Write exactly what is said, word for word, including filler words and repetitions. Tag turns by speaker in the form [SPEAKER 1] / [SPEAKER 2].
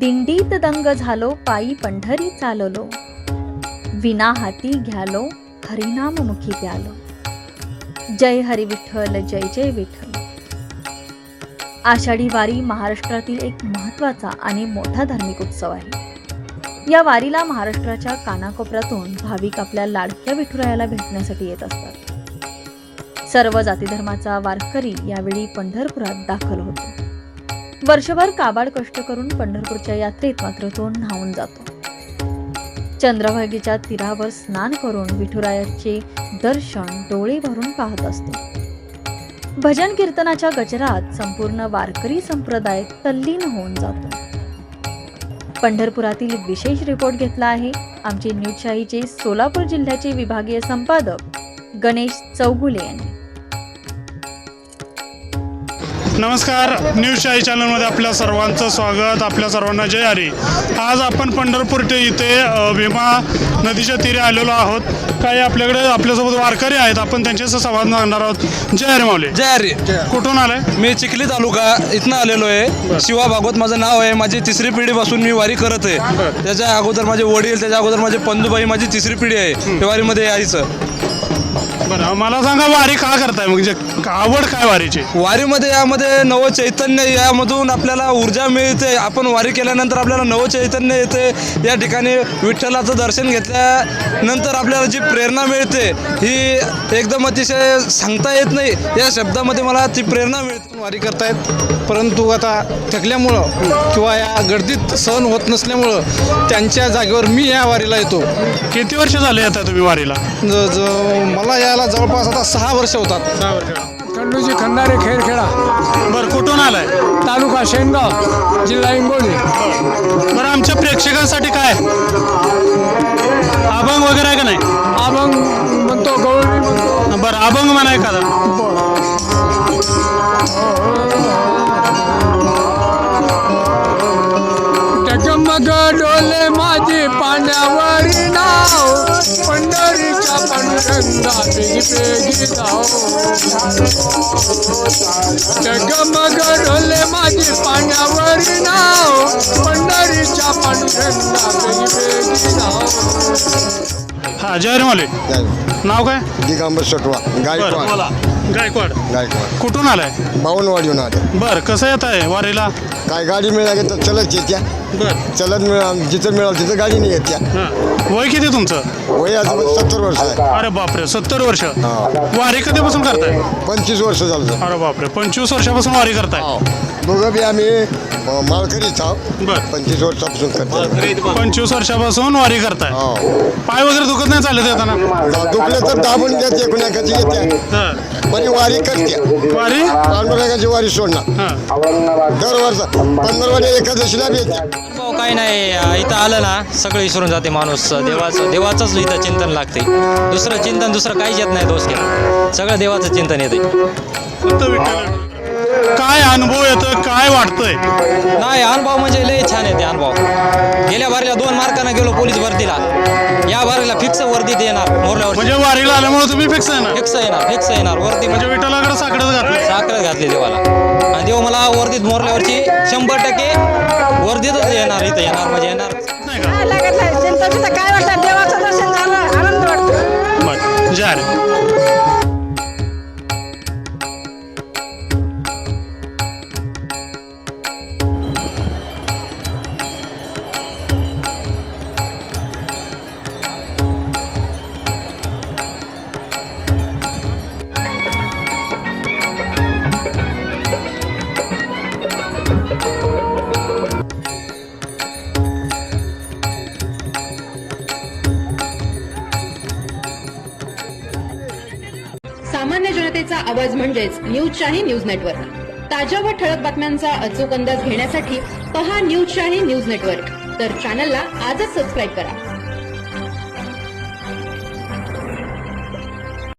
[SPEAKER 1] दिंडीत दंग झालो, पायी पंढरी चाललो, विना हाती घ्यालो, हरिनाम मुखी प्यालो. जय हरी विठ्ठल, जय जय विठ्ठल. आषाढी वारी महाराष्ट्रातील एक महत्त्वाचा आणि मोठा धार्मिक उत्सव आहे. या वारीला महाराष्ट्राच्या कानाकोपऱ्यातून भाविक आपल्या लाडक्या विठुरायाला भेटण्यासाठी येत असतात. सर्व जाती धर्माचा वारकरी यावेळी पंढरपुरात दाखल होतो. वर्षभर काबाड कष्ट करून पंढरपूरच्या यात्रेत मात्र तो न्हावून जातो. चंद्रभागेच्या तीरावर स्नान करून विठुरायाचे दर्शन डोळे भरून पाहत असतो. भजन कीर्तनाच्या गजरात संपूर्ण वारकरी संप्रदाय तल्लीन होऊन जातो. पंढरपुरातील विशेष रिपोर्ट घेतला आहे आमचे न्यूजशाहीचे सोलापूर जिल्ह्याचे विभागीय संपादक गणेश चौगुले यांनी.
[SPEAKER 2] नमस्कार, न्यूजशाही चॅनलमध्ये आपल्या सर्वांचं स्वागत. आपल्या सर्वांना जय हरी. आज आपण पंढरपूर इथे भीमा नदीच्या तीरे आलेलो आहोत. काही आपल्याकडे आपल्यासोबत वारकरी आहेत, आपण त्यांच्याशी संवाद साधणार आहोत. जय हरी माऊली.
[SPEAKER 3] जय हरी.
[SPEAKER 2] कुठून आलाय?
[SPEAKER 3] मी चिखली तालुका इथनं आलेलो आहे. शिवा भागवत माझं नाव आहे. माझी तिसरी पिढीपासून मी वारी करत आहे. त्याच्या अगोदर माझे वडील, त्याच्या अगोदर माझे पंजूबाई, माझी तिसरी पिढी आहे त्या वारीमध्ये यायचं.
[SPEAKER 2] बरं, मला सांगा वारी का करताय, म्हणजे आवड काय वारीची?
[SPEAKER 3] वारीमध्ये यामध्ये नव चैतन्य, यामधून आपल्याला ऊर्जा मिळते. आपण वारी केल्यानंतर आपल्याला नव चैतन्य येते. या ठिकाणी विठ्ठलाचं दर्शन घेतल्यानंतर आपल्याला जी प्रेरणा मिळते ही एकदम अतिशय सांगता येत नाही. या शब्दामध्ये मला ती प्रेरणा मिळते.
[SPEAKER 4] वारी करतायत, परंतु आता थकल्यामुळं किंवा या गर्दीत सहन होत नसल्यामुळं त्यांच्या जागेवर मी या वारीला येतो.
[SPEAKER 2] किती वर्ष झाले आता तुम्ही वारीला?
[SPEAKER 4] ज ज मला यायला जवळपास आता सहा वर्ष होतात.
[SPEAKER 2] सहा वर्ष.
[SPEAKER 5] खंडूजी खंडारे खेरखेडा,
[SPEAKER 2] बरं, कुठून आलाय?
[SPEAKER 5] तालुका शेनगाव, जिल्हा हिंगोली.
[SPEAKER 2] बरं, आमच्या प्रेक्षकांसाठी काय अभंग वगैरे आहे का नाही?
[SPEAKER 5] अभंग म्हणतो, गवळणी म्हणतो.
[SPEAKER 2] बरं, अभंग म्हणा एखादा.
[SPEAKER 5] टकमग डोले माझे पाण्यावरी नाव, पंढरीच्या पांडुरंगा पेगी पेगी जाओ. टकमग डोले माझे पाण्यावरी नाव, पंढरीच्या पांडुरंगा पेगी पेगी जाओ.
[SPEAKER 2] हा, जय हरी माऊली. नाव काय?
[SPEAKER 6] दिगंबर सटवा, गायकवाड.
[SPEAKER 2] गायकवाड.
[SPEAKER 6] गायकवाड
[SPEAKER 2] कुठून आलाय?
[SPEAKER 6] बावनवाडीहून आले.
[SPEAKER 2] बरं, कसं येत आहे वारीला?
[SPEAKER 6] काय गाडी मिळाली तर चलत येत्या,
[SPEAKER 2] बरं.
[SPEAKER 6] चलत मिळा जिथं मिळालं तिथं गाडी नाही येत्या.
[SPEAKER 2] हां, वय किती तुमचं?
[SPEAKER 6] वय आता सत्तर वर्ष आहे.
[SPEAKER 2] अरे बापरे, सत्तर वर्ष.
[SPEAKER 6] हा,
[SPEAKER 2] वारी कधीपासून करताय?
[SPEAKER 6] पंचवीस वर्ष झालं.
[SPEAKER 2] अरे बापरे, पंचवीस वर्षापासून वारी करताय.
[SPEAKER 6] दोघं बी आम्ही मालकरीच आहोत.
[SPEAKER 2] बरं,
[SPEAKER 6] पंचवीस वर्षापासून करतो.
[SPEAKER 2] पंचवीस वर्षापासून वारी करताय.
[SPEAKER 6] हो,
[SPEAKER 2] पाय वगैरे दुखत नाही चालत येताना?
[SPEAKER 6] दुखले तर दाबून घ्या, एकूण एकाची येत्या,
[SPEAKER 2] हां.
[SPEAKER 6] पण वारी करते.
[SPEAKER 2] वारी
[SPEAKER 6] पांडुरंगाची वारी सोडणार.
[SPEAKER 2] हां.
[SPEAKER 6] दरवर्ष पंधरवाडी एकादशीला बी येत्या.
[SPEAKER 7] अनुभव काही नाही, इथं आलं ना सगळं विसरून जाते माणूस. देवाचं देवाचंच इथं चिंतन लागते. दुसरं चिंतन दुसरं काहीच येत नाही. दोष केला सगळं देवाचं चिंतन येते.
[SPEAKER 2] फक्त विठ्ठल. काय अनुभव येतोय, काय वाटतंय?
[SPEAKER 7] नाही, अनुभव म्हणजे लय छान येते अनुभव. गेल्या वारीला दोन मार्कानं गेलो पोलीस भरतीला. या वारीला फिक्स वर्दीत येणार. मोरल्यावर
[SPEAKER 2] म्हणजे वारीला आल्यामुळे तुम्ही फिक्स आहे ना?
[SPEAKER 7] फिक्स येणार, फिक्स येणार वर्दी.
[SPEAKER 2] म्हणजे विठ्ठलाकडे साकडच घातलं.
[SPEAKER 7] साखर घातली देवाला, आणि देव मला वर्दीत मोरल्यावरची शंभर टक्के वर्दीतच येणार. इथं येणार म्हणजे येणार.
[SPEAKER 2] नाही का?
[SPEAKER 8] काय लागत नाही. चिंता काय वाटतं, देवाचं दर्शन झालं, आनंद वाटतो.
[SPEAKER 2] बरं, जय हरी.
[SPEAKER 9] सामान्य जनतेचा आवाज म्हणजेच न्यूजशाही न्यूज नेटवर्क. ताज्या व ठळक बातम्यांचा अचूक अंदाज घेण्यासाठी पहा न्यूजशाही न्यूज नेटवर्क. तर चॅनलला आजच सबस्क्राईब करा.